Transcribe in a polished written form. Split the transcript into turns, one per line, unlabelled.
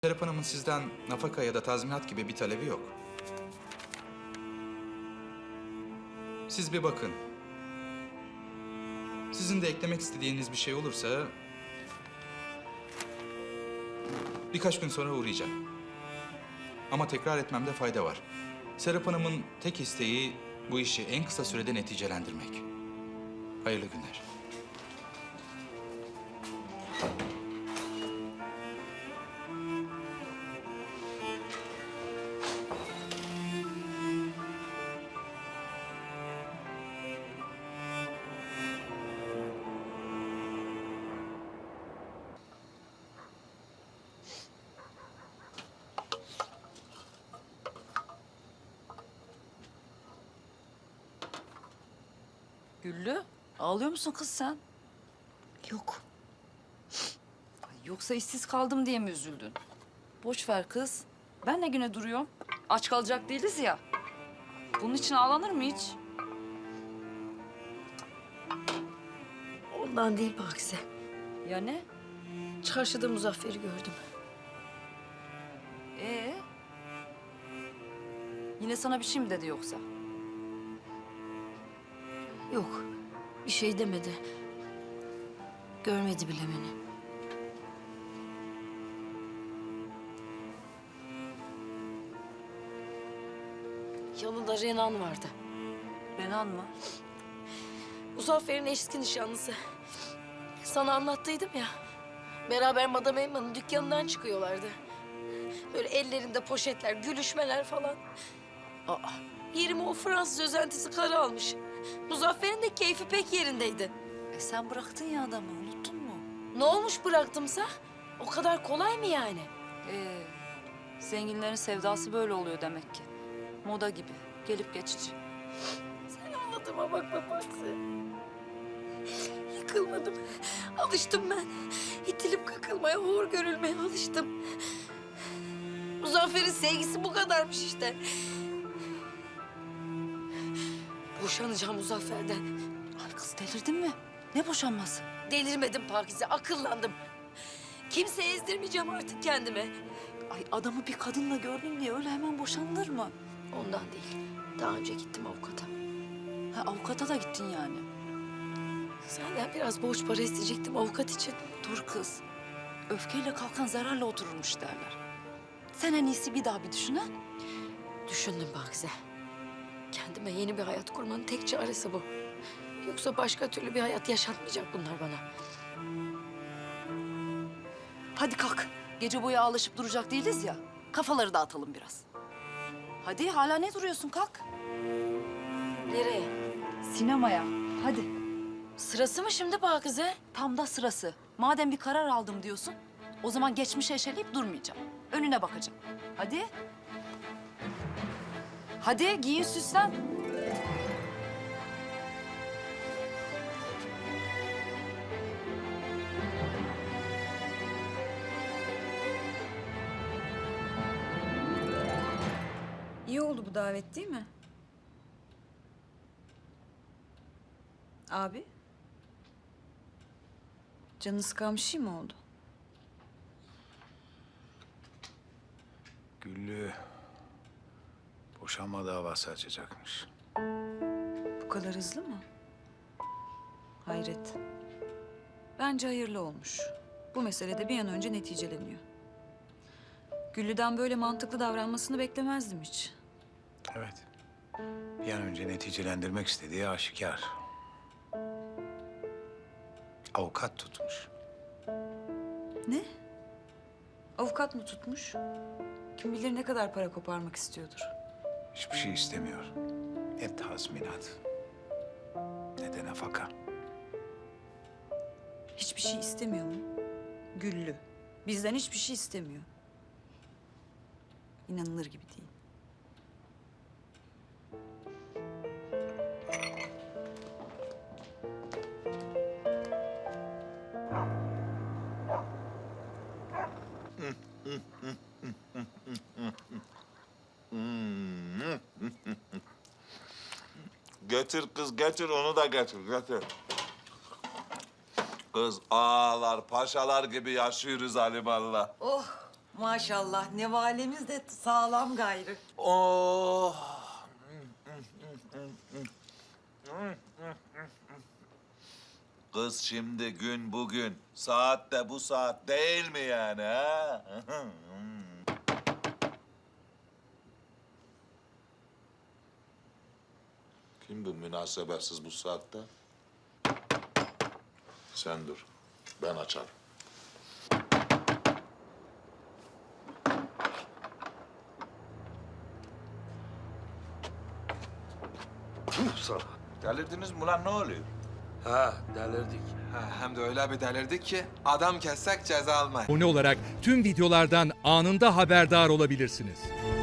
Serap Hanım'ın sizden nafaka ya da tazminat gibi bir talebi yok. Siz bir bakın. Sizin de eklemek istediğiniz bir şey olursa... birkaç gün sonra uğrayacağım. Ama tekrar etmemde fayda var. Serap Hanım'ın tek isteği bu işi en kısa sürede neticelendirmek. Hayırlı günler.
Güllü, ağlıyor musun kız sen?
Yok.
Ay, yoksa işsiz kaldım diye mi üzüldün? Boş ver kız. Ben ne güne duruyorum? Aç kalacak değiliz ya. Bunun için ağlanır mı hiç?
Ondan değil Pakize.
Ya ne?
Çarşıda Muzaffer'i gördüm.
Ee? Yine sana bir şey mi dedi yoksa?
Yok. Bir şey demedi. Görmedi bile beni. Yanında Renan vardı.
Renan mı?
Muzaffer'in eski nişanlısı. Sana anlattıydım ya. Beraber Madame Emma'nın dükkanından çıkıyorlardı. Böyle ellerinde poşetler, gülüşmeler falan. Aa, yerime o Fransız özentisi karı almış. Muzaffer'in de keyfi pek yerindeydi.
Sen bıraktın ya adamı, unuttun mu?
Ne olmuş bıraktımsa? O kadar kolay mı yani?
Zenginlerin sevdası böyle oluyor demek ki. Moda gibi, gelip geçici.
Sen anlatıma bakma Paksi. Yıkılmadım. Alıştım ben. İtilip kakılmaya, hor görülmeye alıştım. Muzaffer'in sevgisi bu kadarmış işte. Boşanacağım Muzaffer'den.
Ay kız delirdin mi? Ne boşanması?
Delirmedim Pakize, akıllandım. Kimseye ezdirmeyeceğim artık kendimi.
Ay adamı bir kadınla gördün diye öyle hemen boşanılır mı?
Ondan değil. Daha önce gittim avukata.
Ha avukata da gittin yani.
Senden biraz borç para isteyecektim avukat için.
Dur kız. Öfkeyle kalkan zararla otururmuş derler. Sen en iyisi bir daha bir düşün ha.
Düşündüm Pakize. Kendime yeni bir hayat kurmanın tek çaresi bu. Yoksa başka türlü bir hayat yaşatmayacak bunlar bana.
Hadi kalk. Gece boyu ağlaşıp duracak değiliz ya. Kafaları dağıtalım biraz. Hadi hala ne duruyorsun kalk.
Nereye?
Sinemaya. Hadi.
Sırası mı şimdi Pakize?
Tam da sırası. Madem bir karar aldım diyorsun, o zaman geçmişe eşeleyip durmayacağım. Önüne bakacağım. Hadi. Hadi giyin süslen.
İyi oldu bu davet değil mi? Abi? Canını sıkan bir şey mi oldu?
Güllü boşanma davası açacakmış.
Bu kadar hızlı mı? Hayret. Bence hayırlı olmuş. Bu mesele de bir an önce neticeleniyor. Güllü'den böyle mantıklı davranmasını beklemezdim hiç.
Evet. Bir an önce neticelendirmek istediği aşikar. Avukat tutmuş.
Ne? Avukat mı tutmuş? Kim bilir ne kadar para koparmak istiyordur.
Hiçbir şey istemiyor. Ne tazminat, ne de nafaka.
Hiçbir şey istemiyor mu? Güllü. Bizden hiçbir şey istemiyor. İnanılır gibi değil.
Getir kız getir onu da getir getir. Kız ağalar paşalar gibi yaşıyoruz alimallah.
Oh
Maşallah nevalemiz de sağlam gayrı.
Oh. Kız şimdi gün bugün, saat de bu saat değil mi yani ha? Kim bu münasebetsiz bu saatte? Sen dur, ben açarım. Delirdiniz mi lan, ne oluyor?
Ha delirdik. Ha, hem de öyle bir delirdik ki adam kessek ceza almayız.
Abone olarak tüm videolardan anında haberdar olabilirsiniz.